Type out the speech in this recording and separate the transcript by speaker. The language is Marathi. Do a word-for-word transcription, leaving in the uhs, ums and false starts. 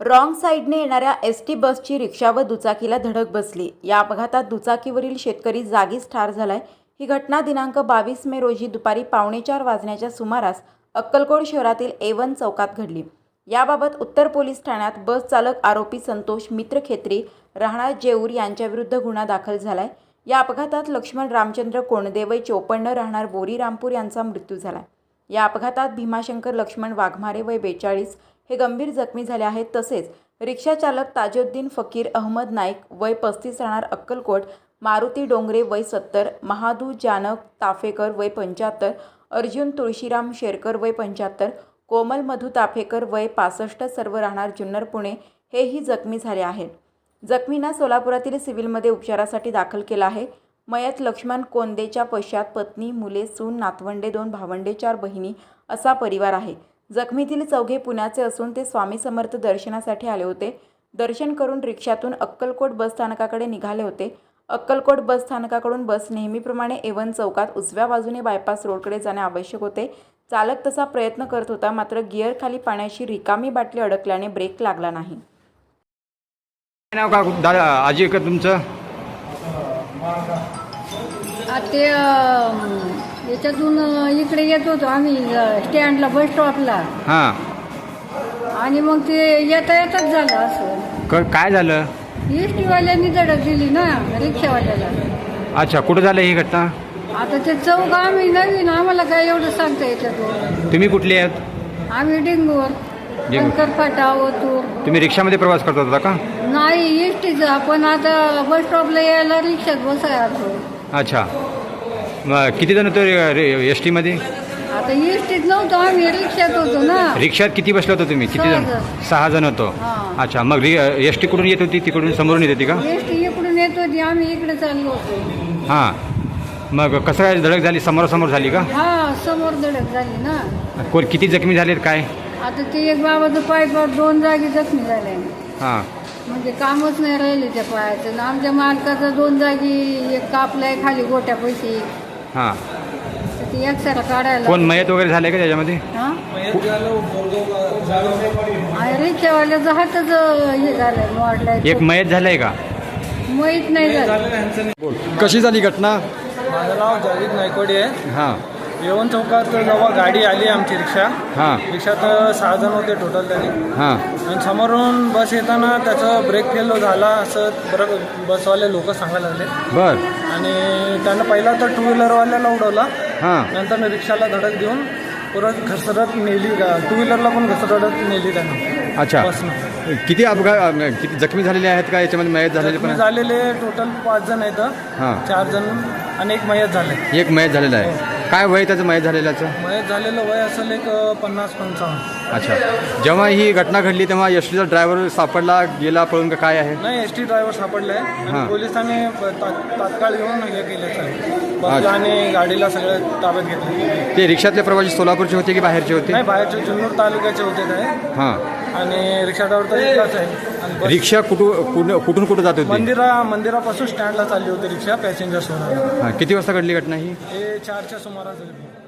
Speaker 1: रॉंग साईडने येणाऱ्या एस टी बसची रिक्षा व दुचाकीला धडक बसली। या अपघातात दुचाकीवरील शेतकरी जागीच ठार झालाय। ही घटना दिनांक बावीस मे रोजी दुपारी पावणे चार वाजण्याच्या सुमारास अक्कलकोट शहरातील ए वन चौकात घडली। याबाबत उत्तर पोलीस ठाण्यात बस चालक आरोपी संतोष मित्र खेत्री राहणार जेऊर यांच्याविरुद्ध गुन्हा दाखल झालाय। या अपघातात लक्ष्मण रामचंद्र कोणदे वय चोपन्न राहणार बोरी रामपूर यांचा मृत्यू झाला। या अपघातात भीमाशंकर लक्ष्मण वाघमारे वय बेचाळीस हे गंभीर जखमी झाले आहेत। तसेच रिक्षा चालक ताजुद्दीन फकीर अहमद नाईक वय पस्तीस राहणार अक्कलकोट, मारुती डोंगरे वय सत्तर, महादू जानक ताफेकर वय पंच्याहत्तर, अर्जुन तुळशीराम शेरकर वय पंच्याहत्तर, कोमल मधु ताफेकर वय पासष्ट सर्व राहणार जुन्नर पुणे हेही जखमी झाले आहेत। जखमींना सोलापुरातील सिव्हिलमध्ये उपचारासाठी दाखल केला आहे। मयत लक्ष्मण कोंदेच्या पश्चात पत्नी, मुले, सून, नातवंडे, दोन भावंडे, चार बहिणी असा परिवार आहे। जखमीतील चौघे पुण्याचे असून ते स्वामी समर्थ दर्शनासाठी आले होते। दर्शन करून रिक्षातून अक्कलकोट बस स्थानकाकडे निघाले होते। अक्कलकोट बस स्थानकाकडून बस नेहमीप्रमाणे ए वन चौकात उजव्या बाजूने बायपास रोडकडे जाणे आवश्यक होते। चालक तसा प्रयत्न करत होता, मात्र गिअर खाली पाण्याची रिकामी बाटली अडकल्याने ब्रेक लागला नाही।
Speaker 2: नाव का दादा आजी का तुमचं?
Speaker 3: ते याच्यातून इकडे येत होतो आम्ही स्टँडला बस स्टॉपला।
Speaker 2: हां,
Speaker 3: आणि मग ते येता येतच झालं असं।
Speaker 2: क- काय झालं?
Speaker 3: एस टीवाल्यांनी धडक दिली ना रिक्षावाल्याला।
Speaker 2: अच्छा, कुठं झालं ही घटना?
Speaker 3: आता ते चौक आम्ही नवीन, आम्हाला काय एवढं सांगता येतं।
Speaker 2: तुम्ही कुठले आहेत?
Speaker 3: आम्ही डेंगूवर
Speaker 2: डेंगू.
Speaker 3: शंकरफाटा ओतूर।
Speaker 2: तुम्ही रिक्षामध्ये प्रवास करत होता का?
Speaker 3: नाही एस टीचा, पण आता बस स्टॉपला यायला रिक्षात बसायचो।
Speaker 2: अच्छा, मग किती जण होते एस टीमध्ये?
Speaker 3: आता एस टीत नव्हतो आम्ही, रिक्षात होतो ना।
Speaker 2: रिक्षात किती बसले होते तुम्ही? किती
Speaker 3: सहा
Speaker 2: जण?
Speaker 3: जण.
Speaker 2: सहा जण होतो।
Speaker 3: हां.
Speaker 2: अच्छा, मग एस टी कुठून येत होती? तिकडून समोरून येत होती का?
Speaker 3: एस टी इकडून येत होती, आम्ही इकडे चाललो होतो।
Speaker 2: हां, मग कसं काय धडक झाली? समोरासमोर झाली का?
Speaker 3: हा, समोर धडक झाली ना।
Speaker 2: कोण किती जखमी झालेत काय?
Speaker 3: आता ते एक बाबाचं पाय पाय दोन जागी जखमी झाले,
Speaker 2: हां,
Speaker 3: म्हणजे कामच नाही राहिले त्या पायाचं। ना आमच्या मालकाचं दोन जागी एक कापलाय खाली गोट्या पैसे,
Speaker 2: हां.
Speaker 3: ते एक्सरा काढायला।
Speaker 2: कोण मयत वगैरे झाले का त्याच्यामध्ये?
Speaker 3: हा, आणि रिक्षावाल्याचं हातच हे झालंय, मोडलाय।
Speaker 2: एक मयत झालंय का?
Speaker 3: माहीत नाही झालं।
Speaker 2: कशी झाली घटना?
Speaker 4: माझं नाव जावेद नायकवाडी आहे।
Speaker 2: हां,
Speaker 4: येवन चौकात जेव्हा गाडी आली आमची रिक्षा,
Speaker 2: हां,
Speaker 4: रिक्षात सहा जण होते टोटल तरी,
Speaker 2: हां,
Speaker 4: आणि समोरून बस येताना त्याचा ब्रेक फेल झाला असं बरं बसवाले लोक सांगायला लागले।
Speaker 2: बर,
Speaker 4: आणि त्यानं पहिला तर टू व्हीलरवाल्याला उडवला,
Speaker 2: हां,
Speaker 4: नंतर रिक्षाला धडक देऊन परत घसरत नेली, टू व्हीलरला पण घसरत नेली त्यानं
Speaker 2: अच्छा.
Speaker 4: बसनं।
Speaker 2: किती अपघात किती जखमी झालेले आहेत का याच्यामध्ये? मयत झालेले पण
Speaker 4: जखमी झालेले टोटल पाच जण आहेत,
Speaker 2: हां,
Speaker 4: चार जण आणि एक मयत झाले।
Speaker 2: एक मयत झालेला आहे। काय वय त्याचं मयत झालेल्याचं?
Speaker 4: मयत झालेलं वय असेल एक पन्नास पंचावन्न।
Speaker 2: अच्छा, जेव्हा ही घटना घडली तेव्हा एस टीचा ड्रायव्हर सापडला गेला पळून का काय आहे?
Speaker 4: नाही, एस टी ड्रायव्हर सापडलाय
Speaker 2: हां.
Speaker 4: आणि पोलिसांनी ता- तात्काळ येऊन हे केलं बसला आणि गाडीला सगळं ताब्यात घेतलं।
Speaker 2: ते रिक्षातले प्रवासी सोलापूरचे होते की बाहेरचे होते?
Speaker 4: नाही, बाहेरचे जुन्नर तालुक्याचे होते काय,
Speaker 2: हां.
Speaker 4: आणि रिक्षा ड्रायव्हर तर इथलाच आहे। आणि बस
Speaker 2: रिक्षा कुठून कुठून कुठून कुठं जात होती?
Speaker 4: मंदिरा मंदिरापासून स्टँडला चालली होती रिक्षा पॅसेंजर सोडायला।
Speaker 2: हां, किती वाजता घडली घटना ही?
Speaker 4: हे चारच्या सुमारास झाली।